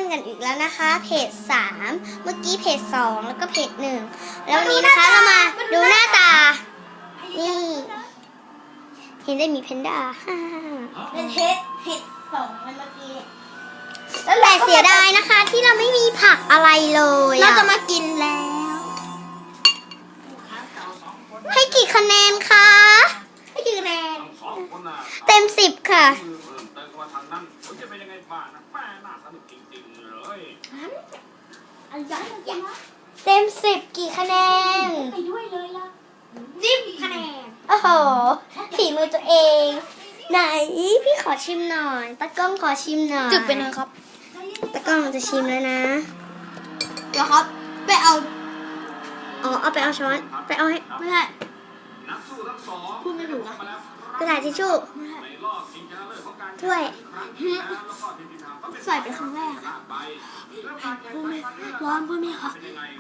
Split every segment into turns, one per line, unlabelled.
กันอีกแล้วนะคะ เพจ3เมื่อกี้เพจ2แล้วก็เพจ1แล้ววันนี้นะคะเรามาดูหน้าตานี่เห็นได้มีเพนด้า
เป็นเพจ2มันเมื่อกี้
แต่เสียดายนะคะที่เราไม่มีผักอะไรเลย
เราจะมากินแล้ว
ให้กี่คะแนนคะ
ให้กี่คะแนน
เต็ม10ค่ะเต็ม10กี่คะแนน
ไปด้วยเลยล่ะ10 คะแนน
โอ้โหฝีมือตัวเองไหนพี่ขอชิมหน่อยตากล้องขอชิมหน่อย
จุดไปเลยครับ
ตากล้องจะชิมแล้วนะ
เดี๋ยวครับไปเอา
เอาไปเอาช้อนไปเอาให้
ไม่ได้พูดไม่ถูกอะ
กระดาษทิชชู่ถ้วย
ใส่เป็นครั้งแรกพูดไม่ร้อนพูดไม่ครับ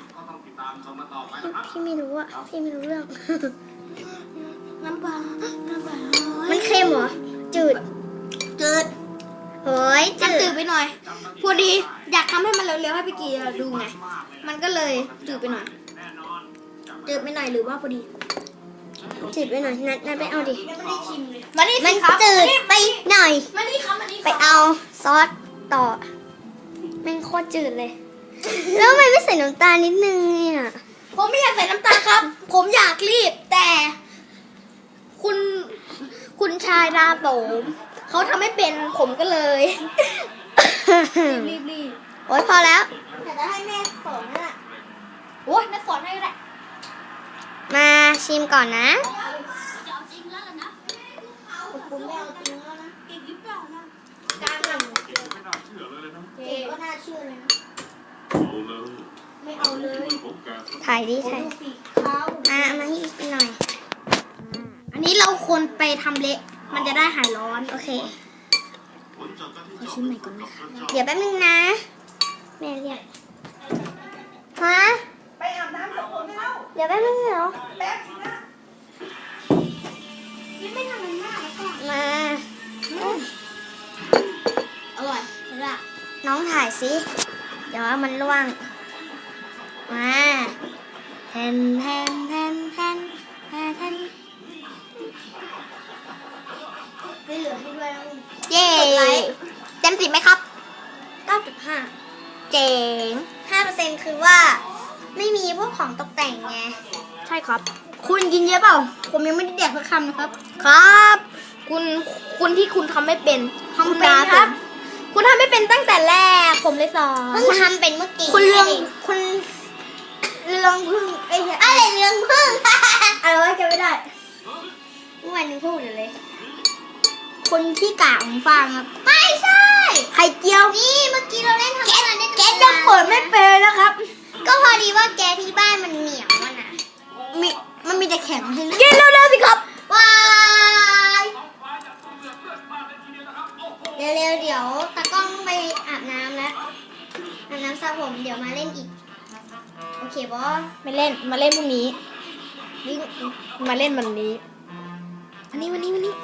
พี่ไม่รู้อะพี่ไม่รู้เรื่อง
น้ำปลา
มันเค็มเหรอจืดเฮ้ย
จืดไปหน่อยพอดีอยากทำให้มันเร็วๆให้พี่กีดูไงมันก็เลยจืดไปหน่อยหรือว่าพอดี
จืดไปหน่อยนัดไปเอาดิ
มาดิ
มันจืดไปหน่อยไปเอาซอสต่อมันโคตรจืดเลยแล้วทำไมไม่ใส่น้ำตาลนิดนึงเนี่ย
ผมไม่อยากใส่น้ำตาลครับผมอยากรีบแต่คุณชายราโสมเขาทำไม่เป็นผมก็เลยรีบ
โอ๊ยพอแล้ว
แต่จะให้แม่สอนน่ะโอ๊ยแม่สอนให้ก็ได้
มาชิมก่อนนะ
จะเอาจริงแล้วนะผมไม่เอาจริงแล้วนะเก่งหรือเปล่านะการทำเก่งไม่น่าเชื่อเลยนะเก่งก็น่าเชื่อเลยนะไม่เอาเลย
ถ่ายมาให้อีกหน่อย
อันนี้เราควรไปทำเละมันจะได้หายร้อน
โอเค
ขอชิมใหม่ก่อนนะคะ
เดี๋ยวแป๊บนึงนะแม่เรียกฮะ
ไปอาบน้ำ2 คนไม่เล่า
เดี๋ยวแป๊บนึงเหรอ
แป๊บนึงนะยังไม่ทำมันมากแล้วก็
มา
อร่อยเลยล่ะ
น้องถ่ายสิเดี๋ยวมันร่วงมาแทน
ไม่เหลือให้ด้วยนะ
เย้เต็ม10ไหมครับ 9.5 เจ๋ง 5% คือว่าไม่มีพวกของตกแต่งไง
ใช่ครับคุณกินเยอะเปล่าผมยังไม่ได้แดกสักคำนะครับครับคุณที่คุณทำไม่เป็นทำเป็นครับคุณทำไม่เป็นตั้งแต่แรกผมเลยสอน
เพิ่งทำเป็นเมื่อกี้
คุณเรื่องพึ่ง
อะไรเรื่องพึ่ง
อะไรวะจำไม่ได้
เมื่อวานนึงพูดอยู่เลย
คนที่กากของฟังครับ
ไม่ใช่
ไข่เจียว
นี่เมื่อกี้เราเล่นทำอะไรได้
แกยังเปิดไม่เป็นนะครับ
ก็พอดีว่าแกที่บ้านมันเหนียวนะ
มันมีแต่แข็งให้เย็นเร็วๆสิครับ
ว้ายเร็วๆเดี๋ยวตากล้องไปอาบน้ำแล้วอาบน้ำสระผมเดี๋ยวมาเล่นอีกโอเคบอส
ไม่เล่นมาเล่นพรุ่งนี้มาเล่นวันนี้วันนี้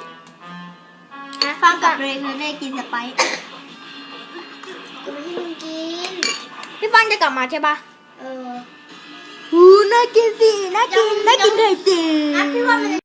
ฟังกับเลยคือได้กินสไปซ์
กูไม่ให้มึงกิน
พี่ฟังจะกลับมาใช่ปะ
เออ
น่ากินสิน่ากินไข่เจียวพี่ว่ามัน